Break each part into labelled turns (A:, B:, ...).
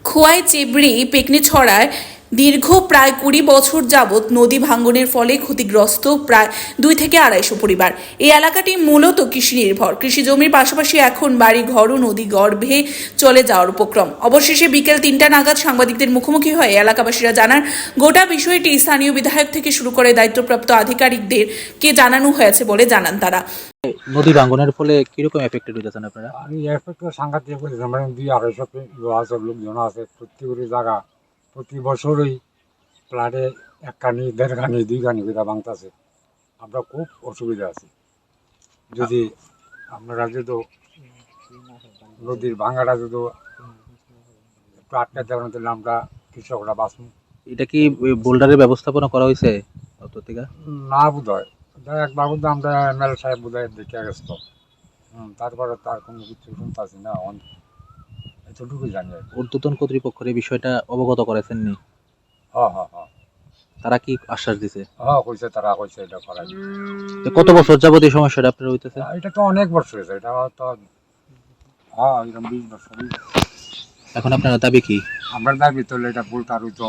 A: খোয়াই চেবড়ি পেকনিছড়ায় দীর্ঘ প্রায় 20 বছর যাবৎ নদী ভাঙ্গনের ফলে ক্ষতিগ্রস্ত প্রায় 2 থেকে 250 পরিবার। এই এলাকাটি মূলত কৃষি নির্ভর। কৃষি জমির পাশাপাশি এখন বাড়ি ঘরও নদী গর্ভে চলে যাওয়ার উপক্রম। অবশেষে বিকেল 3টা নাগাদ সাংবাদিকদের মুখোমুখি হয়ে এলাকাবাসীরা জানান, গোটা বিষয়টি স্থানীয় বিধায়ক থেকে শুরু করে দায়িত্বপ্রাপ্ত আধিকারিকদেরকে জানানো হয়েছে বলে জানান তারা।
B: নদী ভাঙ্গনের ফলে কিরকম এফেক্টেড হয়েছেন আপনারা?
C: আমি এফেক্ট সাংঘাতিক করেছি। মানে 200-250 আছে লোকজন আছে প্রত্যেকের জায়গা। প্রতি বছরই ফ্লাডে 1 কানি 1.5 কানি 2 কানি করে ভাঙতেছে। আমরা খুব অসুবিধা আছি। যদি আপনারা যদি নদীর ভাঙাটা যদি একটু আটকে দেওয়ার তাহলে আমরা কৃষকরা বাঁচব।
B: এটা কি বোল্ডারের ব্যবস্থাপনা করা হয়েছে থেকে?
C: না বোধ হয়, একবার বোধ আমরা এমএলএ সাহেব বোধ হয় দেখে গেছিল। তারপরে তার কোনো কিছু শুনতেছি না, এতটুকু জানি।
B: ঊর্ধ্বতন কর্তৃপক্ষের এই বিষয়টা অবগত করেছেননি?
C: হ্যাঁ,
B: তারা কি আশ্বাস দিছে?
C: কইছে, তারা কইছে এটা করাই।
B: কত বছর যাবত এই সমস্যাটা আপনার হইতেছে?
C: এটা তো অনেক বছর হয়েছে, এটা তো এরকম 20 বছর।
B: এখন আপনারা দাবি কি?
C: আমরা দাবি তো এটা ভুলটার হইতো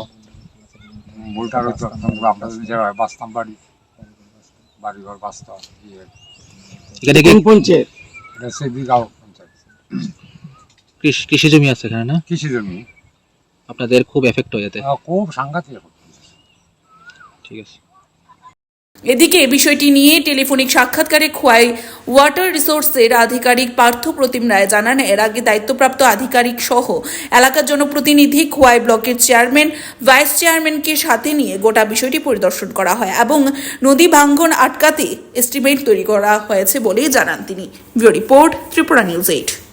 C: আমরা যেভাবে বাঁচতাম বাড়িঘর বাঁচতাম।
B: এখানে কি
C: পঞ্চায়েত? এটা সেবিগাঁও পঞ্চায়েত।
B: কৃষি জমি আছে এখানে না?
C: কৃষি জমি।
B: আপনাদের খুব এফেক্ট হয়ে যেতে?
C: খুব সাংঘাতিক।
B: ঠিক আছে।
A: এদিকে বিষয়টি নিয়ে টেলিফোনিক সাক্ষাৎকারে খোয়াই ওয়াটার রিসোর্সের আধিকারিক পার্থ প্রতিম রায় জানান, এর আগে দায়িত্বপ্রাপ্ত আধিকারিক সহ এলাকার জনপ্রতিনিধি, খোয়াই ব্লকের চেয়ারম্যান, ভাইস চেয়ারম্যানকে সাথে নিয়ে গোটা বিষয়টি পরিদর্শন করা হয় এবং নদী ভাঙ্গন আটকাতে এস্টিমেট তৈরি করা হয়েছে বলেই জানান তিনি। Bureau report, Tripura news 8।